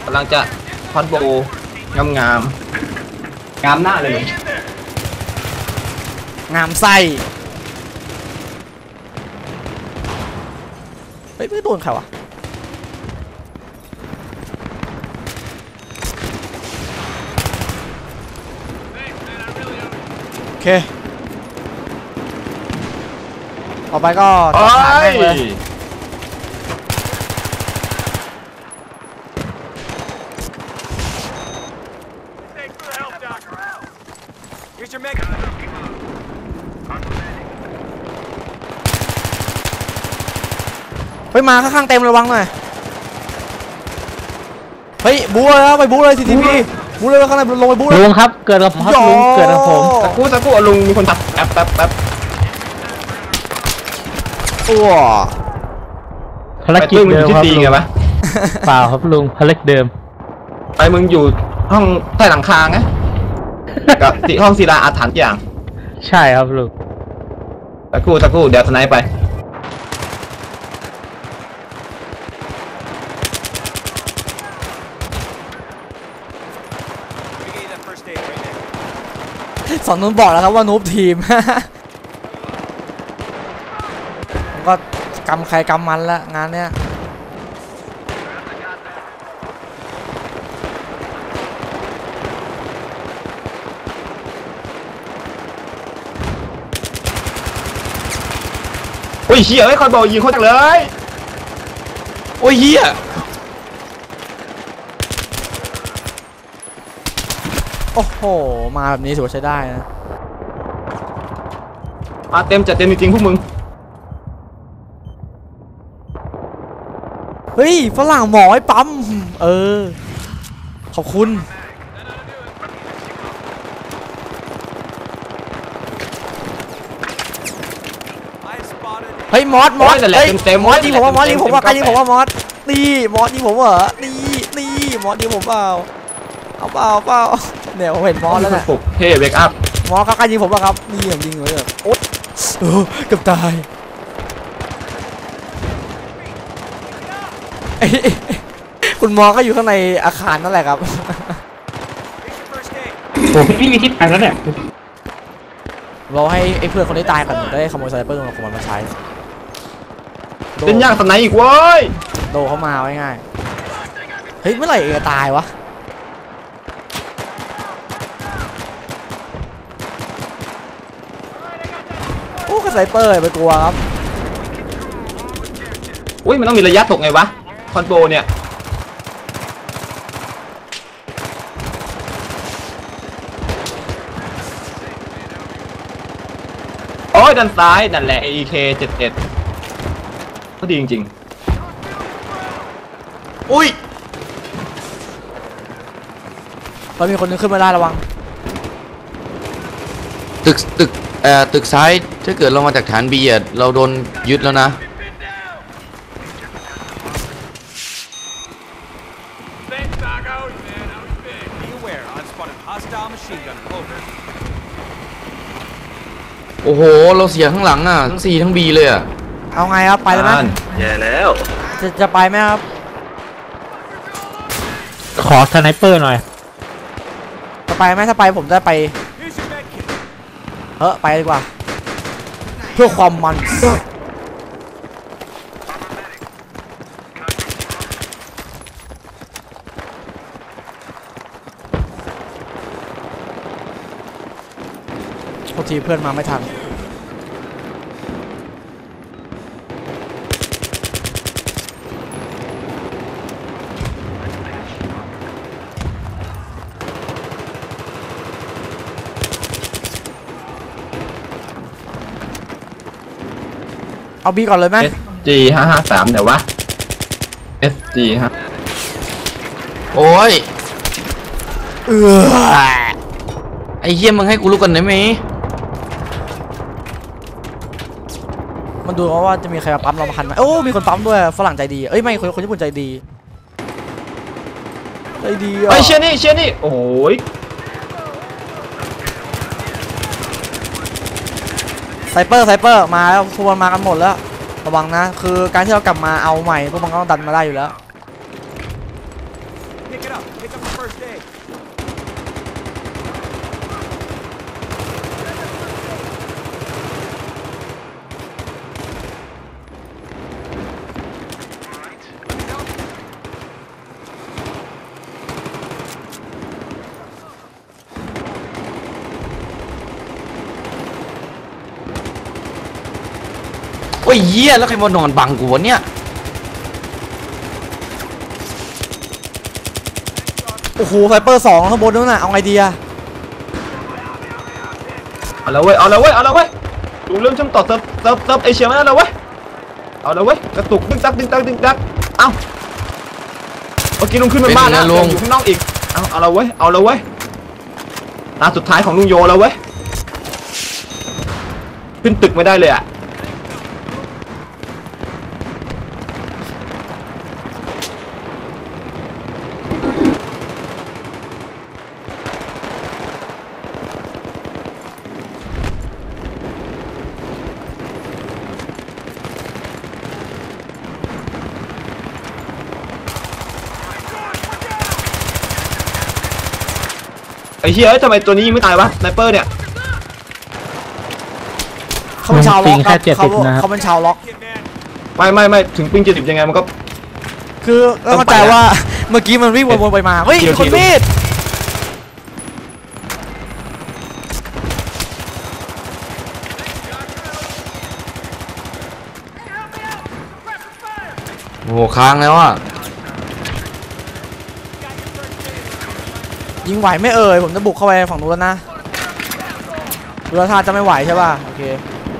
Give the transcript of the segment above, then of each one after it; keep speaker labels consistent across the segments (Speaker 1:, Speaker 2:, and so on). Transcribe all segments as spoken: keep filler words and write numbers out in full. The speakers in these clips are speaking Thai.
Speaker 1: ำลังจะคอนโบงามงามงามหน้าเลย
Speaker 2: งามไส้เฮ้ยไม่โดนใครวะโอเคต่อไปก็จัดการแม่งเลยเฮ้ยมาข้างๆเต็มระวังหน่อยเฮ้ยบู๊เลยครับไปบู๊เลยทีทีพีบู๊เลยข้างในลงไปบู๊เลย
Speaker 3: ลุงครับเกิดกับผมครับลุงเกิดกับผม
Speaker 1: สักครู่สักครู่ลุงมีคนทักแป๊บแป๊บแป๊บ
Speaker 2: ตัว
Speaker 3: ภารกิจเดิมครับลุง
Speaker 1: ไงวะ
Speaker 3: เปล่าครับลุงภารกิจเดิม
Speaker 1: ไปมึงอยู่ห้องใต้หลังคาไงกับที่ห้องศิลาอาถรรพ์อย่าง
Speaker 3: ใช่ครับลุง
Speaker 1: สักครู่สักครู่เดี๋ยวสไนป์ไป
Speaker 2: สอนนุ่นบอกแล้วครับว่านูบทีมผมก็กำใครกำมันละงานเนี้ย
Speaker 1: โอ้ยเฮียไอ้คอยบอกยิงเขาจังเลยโอ้ยเฮีย
Speaker 2: โอ้โหมาแบบนี้ถือว่าใช้ได้นะ
Speaker 1: มาเต็มจัดเต็มจริงๆพวกมึง
Speaker 2: เฮ้ยฝรั่งหมอไอ้ปั๊มเออขอบคุณเฮ้ยมอสมอสเฮ้ยมอสยิงผมว่ามอสยิงผมว่าใครยิงผมว่ามอสนี่มอสยิงผมเหรอนี่นี่มอสยิงผมเปล่าเอาเปล่าเปล่าเนี่ยผมเห็นมอสแล้วเนี่ย
Speaker 1: เฮ้ยเบรกอัพ
Speaker 2: มอสเขาใครยิงผมป่ะครับนี่ผมยิงเลยแบบโอ๊ยเกือบตายคุณมอสก็อยู่ข้างในอาคารนั่นแหละครับ
Speaker 3: โอ้พี่มีทิปไปแล้วเนี่ย
Speaker 2: เราให้ไอ้เพื่อนคนที่ตายก่อนได้ขโมยไซเปอร์ของมันมาใช้
Speaker 1: เป็นยากสไนอีกเว้ย
Speaker 2: โดเข้ามาไว้ง่ายเฮ้ยเมื่อไหร่จะตายวะโอ้กระไซเปอร์ไปกลัวครับ
Speaker 1: อุ้ยมันต้องมีระยะตกไงวะคอนโบเนี่ยโอ้ยด้านซ้ายนั่นแหละ เอ เค เจ็ดสิบเอ็ดก็ดีจริงๆอุ้ย
Speaker 2: เรามีคนนึงขึ้นมาได้ระวัง
Speaker 4: ตึกตึกเอ่อตึกซ้ายถ้าเกิดเรามาจากฐานบีอ่ะเราโดนยึดแล้วนะโอ้โหเราเสียข้างหลังอ่ะทั้งซีทั้งบีเลยอ่ะ
Speaker 2: เอาไงครับไปเลยไหม
Speaker 1: แย่แล้ว
Speaker 2: จะจะไปไหมครับ
Speaker 3: ขอสไนเปอร์หน่อย
Speaker 2: จะไปไหมถ้าไปผมจะไปเฮ้ยไปดีกว่าเพื่อความมันโทษทีเพื่อนมาไม่ทันเอาบีก่อนเลยไหม
Speaker 1: เอส จี ห้าห้าสามเดี๋ยววะ เอส จี ฮะ
Speaker 4: โอ้ย
Speaker 2: เออ
Speaker 4: ไอ้เหี้ยมึงให้กูรู้กันได้ไหม
Speaker 2: มันดูว่าจะมีใครมาปั๊มเรามาคันไหมโอ้มีคนปั๊มด้วยฝรั่งใจดีเอ้ยไม่คนคนญี่ปุ่นใจดีใจดีอ่ะ
Speaker 1: ไอเชียนี่เชียนี่โอ้ย
Speaker 2: ไซเปอร์ไซเปอร์มาแล้วพวกมันมากันหมดแล้วระวังนะคือการที่เรากลับมาเอาใหม่พวกมันก็ต้องดันมาได้อยู่แล้ว
Speaker 4: โอ้ยเหี้ยแล้วใครมานอนบังกูวะเนี่ย
Speaker 2: โอ้โหไฟเปอร์สองข้างบนนู้นน่ะเอาไงดีอะ
Speaker 1: เอาละเว้ยเอาละเว้ยเอาละเว้ยลุงเริ่มช่างต่อเซิร์ฟเซิร์ฟเซิร์ฟเอเชียมาแล้วเว้ยเอาละเว้ยกระตุกดึงดักดึงดักดึงดักเอ้าเมื่อกี้ลุงขึ้นมาบ้านแล้วลุงอยู่ข้างนอกอีกเอาเอาละเว้ยเอาละเว้ยตาสุดท้ายของลุงโยแล้วเว้ยขึ้นตึกไม่ได้เลยอะไอ้เหี้ยทำไมตัวนี้ยังไม่ตายวะสไนเปอร์เนี่ย
Speaker 2: เขาเป็นชาวล็อก
Speaker 3: แค่เจ็ดสิบนะครับ
Speaker 2: เขาเป็นชาวล็อก
Speaker 1: ไม่ไม่ไม่ถึงปิงเจ็ดสิบยังไงมันก็
Speaker 2: คือเข้าใจว่าเมื่อกี้มันวิ่งวนๆไปมาเฮ้ยคนมีด
Speaker 4: โอ้โหค้างแล้วอ่ะ
Speaker 2: ยิงไหวไม่เอ่ยผมจะบุกเข้าไปฝั่งนู้นแล้วนะดูท่าจะไม่ไหวใช่ป่ะโอเค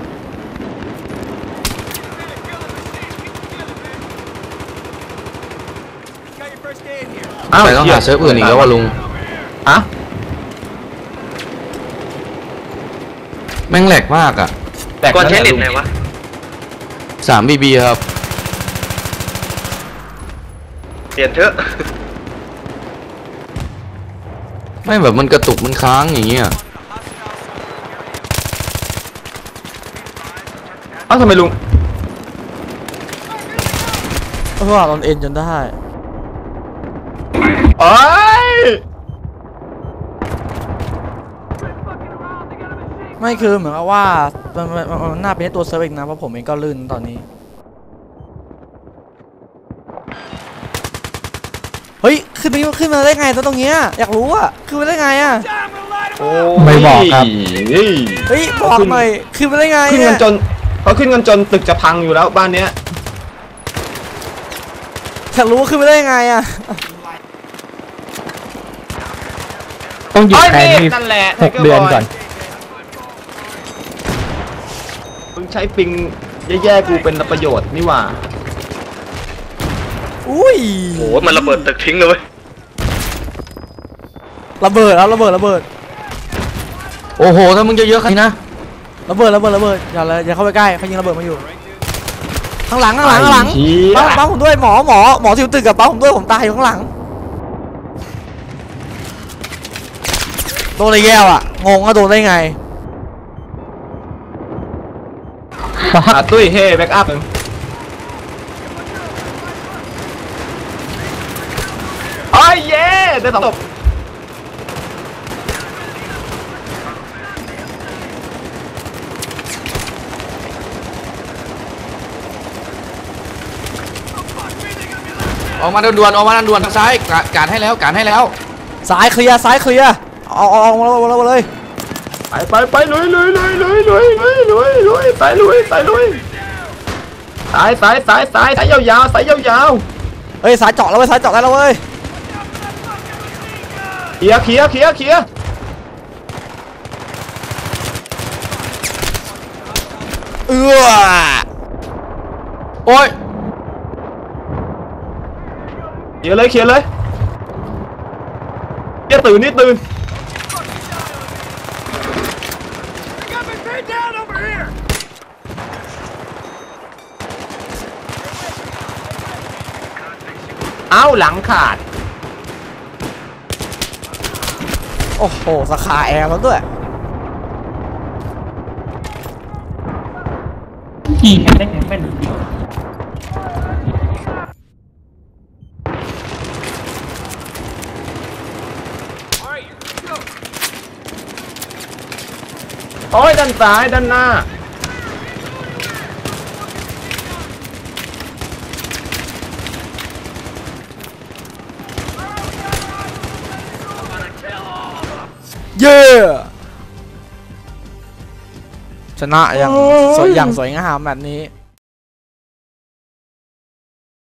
Speaker 4: แต่ต้องหาเซิร์ฟอื่นอีกแล้วว่ะลุง
Speaker 1: อะ
Speaker 4: แม่งแหลกมากอ่ะ
Speaker 1: แต่ก่อนใช้เน็ตไหนวะ
Speaker 4: สามบีบีครับ
Speaker 1: เปลี่ยนเถอะ
Speaker 4: ไม่แบบมันกระตุกมันค้างอย่างเงี้ย
Speaker 1: เอ้าทำไมลุง
Speaker 2: เออโดนเอ็นจนได้
Speaker 1: โอ้ย
Speaker 2: ไม่คือเหมือนกับว่ามันมันมันน่าเป็นตัวเซิร์ฟอีกนะเพราะผมเองก็ลื่นตอนนี้เฮ้ยขึ้นนี้ขึ้นมาได้ไงตัวตรงเนี้ยอยากรู้อะขึ้นมาได้ไงอะ
Speaker 1: โอ้
Speaker 3: ไม่บอกครับ
Speaker 1: นี่
Speaker 2: เฮ้ยบอกหน่อยขึ้นมาได้ไง
Speaker 1: ขึ้น
Speaker 2: เนี่
Speaker 1: กัน
Speaker 2: ย
Speaker 1: จนเขาขึ้นกันจนตึกจะพังอยู่แล้วบ้านเนี้ย
Speaker 2: อยากรู้ว่าขึ้นมาได้ไงอะ
Speaker 3: ต้องหยุด
Speaker 1: โอ้ย
Speaker 3: แทน
Speaker 1: นี่
Speaker 3: ที่
Speaker 1: นั่นแหละ
Speaker 3: หกเดือนก่อน
Speaker 1: มึงใช้ปิงแย่ๆกูเป็นประโยชน์นี่หว่า
Speaker 2: อุ้ย
Speaker 5: โอ้โหมันระเบิดตึกทิ้งเลยเว้ย
Speaker 2: ระเบิดแล้วระเบิดระเบิด
Speaker 4: โอ้โหถ้ามึงจะเยอะขนาดนี้นะ
Speaker 2: ระเบิดระเบิดระเบิดอย่าเลยอย่าเข้าไปใกล้เขายิงระเบิดมาอยู่ข้างหลังข้างหลังข้างหลัง
Speaker 1: ไอ้เหี้ย
Speaker 2: ป้าป้าผมด้วยหมอหมอหมอที่อยู่ตึกกับป้าผมด้วยผมตายอยู่ข้างหลังโดนอะไรแก้วอะงงว่าโดนได้ไง
Speaker 1: อ่ะตุ้ยเฮ้แบ็กอัพหนึ่งโอ้ยเย้ได้สองศพ
Speaker 4: ออกมาด่วนๆออกมาด่วนๆทางซ้ายกาการให้แล้วการให้แล้ว
Speaker 2: ซ้ายเคลียร์ซ้ายเคลียร์เอาเอาเอามาเลยมาเลย
Speaker 1: ไปไปไปลุยลุยลุยลุยลุยลุยลุยลุยสายลุยสายลุยสายสายสายสายสายยาวๆสายยาว
Speaker 2: เฮ้ยสายเจาะแล้วเว้ยสายเจาะได้แล้วเว้ย
Speaker 1: ๆเคลียร์เคลียร์เคลียร์เคลียร์
Speaker 2: เอื้อ
Speaker 4: โอ้ย
Speaker 1: เคลียร์เลยเคลียร์เลยเคลียร์ตื่นนี่ตื่นเอ้าหลังขาด
Speaker 2: โอ้โหสาขาแอร์แล้วด้วย
Speaker 3: ยิงกันได้ไงแม่น
Speaker 2: เ
Speaker 1: โอ้ยด้านซ้ายด้านหน้า
Speaker 2: เย้ชนะอย่างสวยอย่างสวยงามแบบนี้